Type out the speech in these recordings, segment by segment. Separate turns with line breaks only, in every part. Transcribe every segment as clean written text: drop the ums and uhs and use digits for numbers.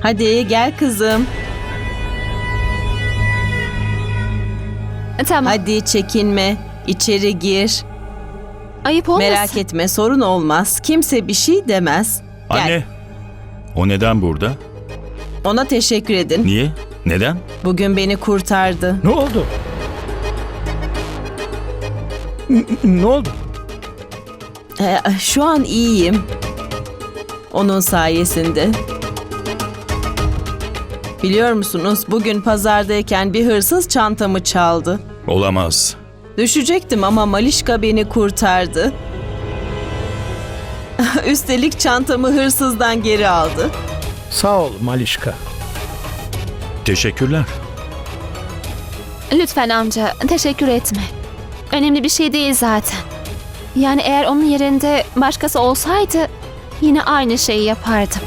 Hadi gel kızım.
Tamam.
Hadi çekinme. İçeri gir.
Ayıp olmasın.
Merak etme, sorun olmaz. Kimse bir şey demez. Gel.
Anne, o neden burada?
Ona teşekkür edin.
Niye? Neden?
Bugün beni kurtardı.
Ne oldu? Ne oldu?
Şu an iyiyim. Onun sayesinde. Biliyor musunuz, bugün pazardayken bir hırsız çantamı çaldı.
Olamaz.
Düşecektim ama Malişka beni kurtardı. Üstelik çantamı hırsızdan geri aldı.
Sağ ol Malişka.
Teşekkürler.
Lütfen amca, teşekkür etme. Önemli bir şey değil zaten. Yani eğer onun yerinde başkası olsaydı yine aynı şeyi yapardım.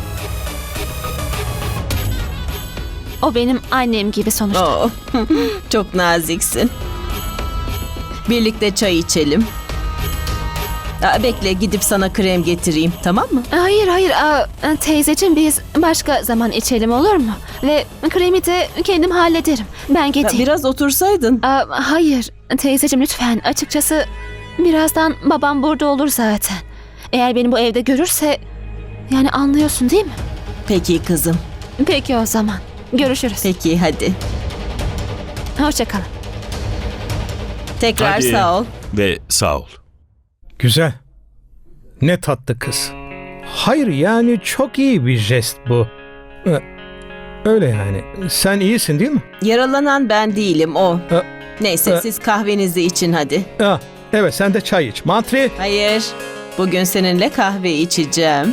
O benim annem gibi sonuçta.
Oh, çok naziksin. Birlikte çay içelim. Bekle, gidip sana krem getireyim, tamam mı?
Hayır hayır teyzeciğim, biz başka zaman içelim, olur mu? Ve kremi de kendim hallederim. Ben getireyim.
Biraz otursaydın.
Hayır teyzeciğim, lütfen. Açıkçası birazdan babam burada olur zaten. Eğer beni bu evde görürse, yani anlıyorsun değil mi?
Peki kızım.
Peki o zaman. Görüşürüz.
Peki hadi.
Hoşça kalın.
Tekrar
Hadi.
sağ ol.
Ve sağ ol.
Güzel. Ne tatlı kız. Hayır yani çok iyi bir jest bu. Öyle yani. Sen iyisin değil mi?
Yaralanan ben değilim, o.
Ha,
Neyse,
ha.
siz kahvenizi için hadi.
Evet, sen de çay iç. Mantri.
Hayır, bugün seninle kahve içeceğim.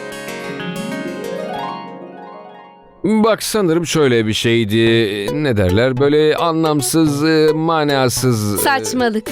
Bak, sanırım şöyle bir şeydi. Ne derler? Böyle anlamsız, manasız.
Saçmalık.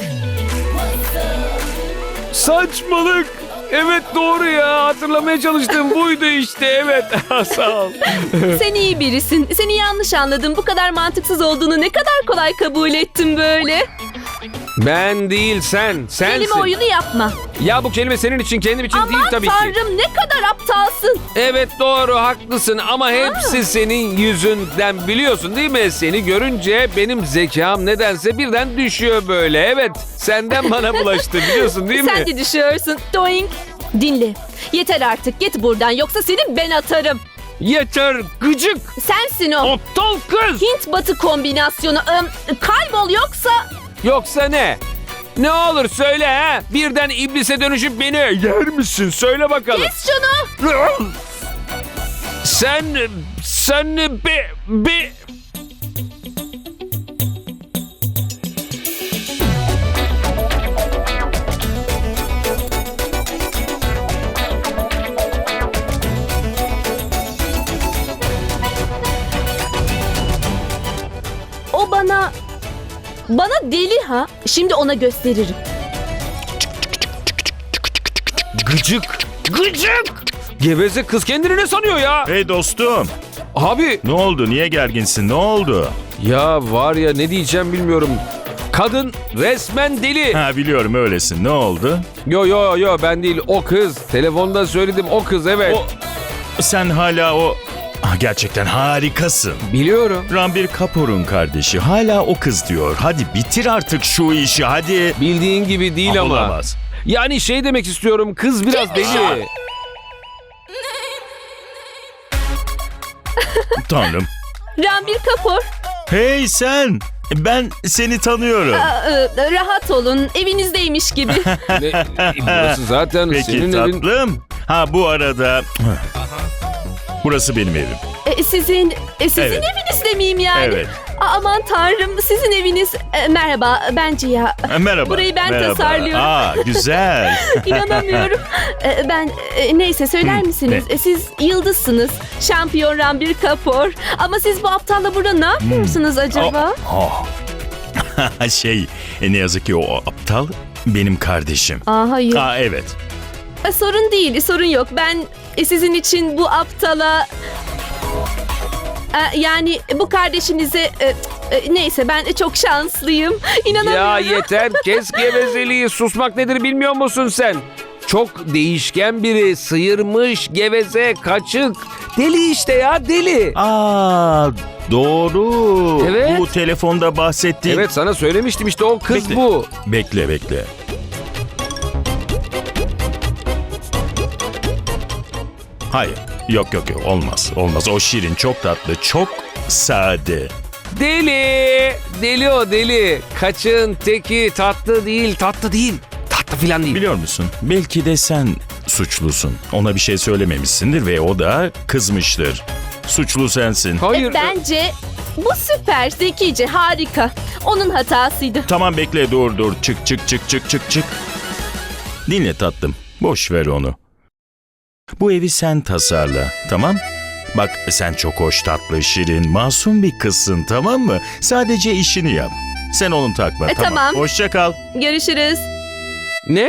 Saçmalık. Evet, doğru ya. Hatırlamaya çalıştım. Buydu işte. Evet. Sağ ol.
Sen iyi birisin. Seni yanlış anladım. Bu kadar mantıksız olduğunu ne kadar kolay kabul ettim böyle.
Ben değil, sen. Sensin.
Kelime oyunu yapma.
Ya bu kelime senin için, kendim için değil
Aman
tabii ki.
tanrım, ne kadar aptalsın.
Evet, doğru, haklısın ama hepsi senin yüzünden, biliyorsun değil mi? Seni görünce benim zekam nedense birden düşüyor böyle. Evet, senden bana bulaştı, biliyorsun değil mi?
Sen de düşüyorsun. Doink. Dinle. Yeter artık, git buradan, yoksa seni ben atarım.
Yeter gıcık,
Sensin o.
aptal kız.
Hint batı kombinasyonu. Kaybol yoksa...
Yoksa ne? Ne olur söyle ha? Birden iblise dönüşüp beni yer misin? Söyle bakalım.
Kes şunu.
Sen bir...
O bana deli ha. Şimdi ona gösteririm.
Gıcık. Geveze kız kendini ne sanıyor ya?
Hey dostum,
Abi.
ne oldu? Niye gerginsin? Ne oldu?
Ya var ya, ne diyeceğim bilmiyorum. Kadın resmen deli.
Ha, biliyorum öylesin. Ne oldu?
Yo ben değil, o kız. Telefonda söyledim, o kız, evet.
Sen hala o... gerçekten harikasın.
Biliyorum.
Ranbir Kapoor'un kardeşi hala o kız diyor. Hadi bitir artık şu işi, hadi.
Bildiğin gibi değil ama.
Olamaz.
Yani şey demek istiyorum, kız biraz deli.
Tanrım.
Ranbir Kapoor.
Hey sen! Ben seni tanıyorum.
Rahat olun. Evinizdeymiş gibi.
Burası zaten
Peki
senin evin.
tatlım. Ha, bu arada... Burası benim evim.
Sizin
Evet.
evinizde miyim yani?
Evet.
Aman tanrım, sizin eviniz. Merhaba, ben Ciha.
Merhaba.
Burayı ben
Merhaba.
tasarlıyorum.
Güzel.
İnanamıyorum. Neyse, söyler misiniz? Siz yıldızsınız. Şampiyon Ranbir Kapoor. Ama siz bu aptalla burada ne yapıyorsunuz acaba?
Ne yazık ki o aptal benim kardeşim.
Hayır.
Evet.
Sorun değil, sorun yok. Ben sizin için bu aptala... yani bu kardeşinize... neyse, ben çok şanslıyım. İnanamıyorum.
Ya yeter, kes gevezeliği. Susmak nedir bilmiyor musun sen? Çok değişken biri, sıyırmış, geveze, kaçık. Deli işte ya, deli.
Doğru.
Evet.
Bu telefonda bahsettiğin...
Evet, sana söylemiştim işte, o kız
Bekle.
bu.
Bekle. Hayır. Yok. Olmaz. O şirin, çok tatlı, çok sade.
Deli. Deli o, deli. Kaçın teki, tatlı değil. Tatlı filan değil.
Biliyor musun? Belki de sen suçlusun. Ona bir şey söylememişsindir ve o da kızmıştır. Suçlu sensin.
Hayır.
Bence bu süper, zekice, harika. Onun hatasıydı.
Tamam bekle, dur. Çık. Dinle tatlım. Boş ver onu. Bu evi sen tasarla, tamam? Bak sen çok hoş, tatlı, şirin, masum bir kızsın, tamam mı? Sadece işini yap. Sen onu takma, tamam.
Tamam.
Hoşça kal.
Görüşürüz.
Ne?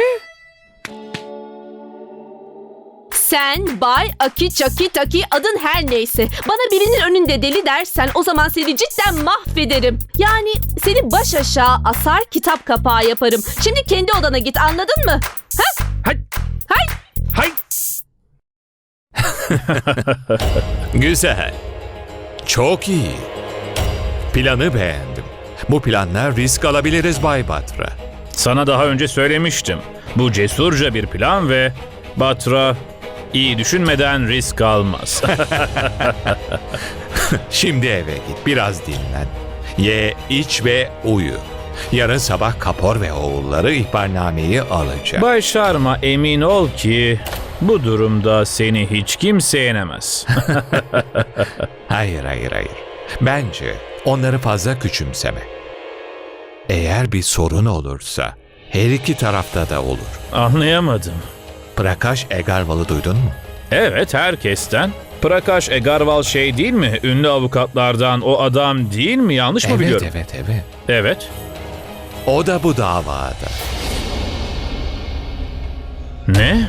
Sen Bay Aki Çaki Taki, adın her neyse. Bana birinin önünde deli dersen o zaman seni cidden mahvederim. Yani seni baş aşağı asar, kitap kapağı yaparım. Şimdi kendi odana git, anladın mı? Ha?
Hay.
Güzel. Çok iyi. Planı beğendim. Bu planla risk alabiliriz Bay Batra.
Sana daha önce söylemiştim. Bu cesurca bir plan ve Batra iyi düşünmeden risk almaz.
Şimdi eve git, biraz dinlen. Ye, iç ve uyu. Yarın sabah Kapor ve oğulları ihbarnameyi alacak.
Bay Sharma, emin ol ki bu durumda seni hiç kimse yenemez.
Hayır. Bence onları fazla küçümseme. Eğer bir sorun olursa her iki tarafta da olur.
Anlayamadım.
Prakash Agarwal'ı duydun mu?
Evet, herkesten. Prakash Agarwal şey değil mi? Ünlü avukatlardan o adam değil mi? Yanlış mı biliyorum?
Evet.
Evet.
O da bu davada.
Ne?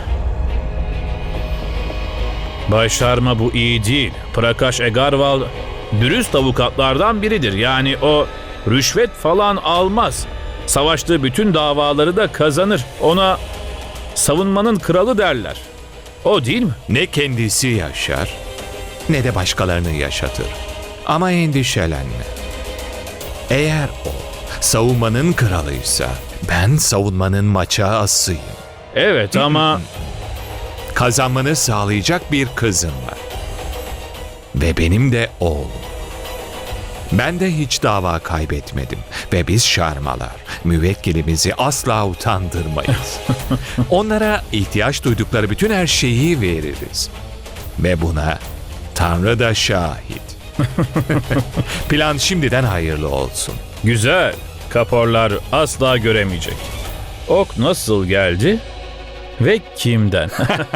Bay Sharma, bu iyi değil. Prakash Agarwal dürüst avukatlardan biridir. Yani o rüşvet falan almaz. Savaştığı bütün davaları da kazanır. Ona savunmanın kralı derler. O değil mi?
Ne kendisi yaşar ne de başkalarını yaşatır. Ama endişelenme. Eğer o savunmanın kralıysa ben savunmanın maça asıyım.
Evet ama
Kazanmanı sağlayacak bir kızım var. Ve benim de oğlum. Ben de hiç dava kaybetmedim. Ve biz Sharmalar müvekkilimizi asla utandırmayız. Onlara ihtiyaç duydukları bütün her şeyi veririz. Ve buna Tanrı da şahit. Plan şimdiden hayırlı olsun.
güzel. Kaporlar asla göremeyecek. Ok nasıl geldi ve kimden?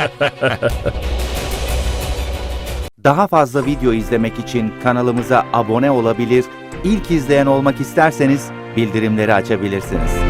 Daha fazla video izlemek için kanalımıza abone olabilir, ilk izleyen olmak isterseniz bildirimleri açabilirsiniz.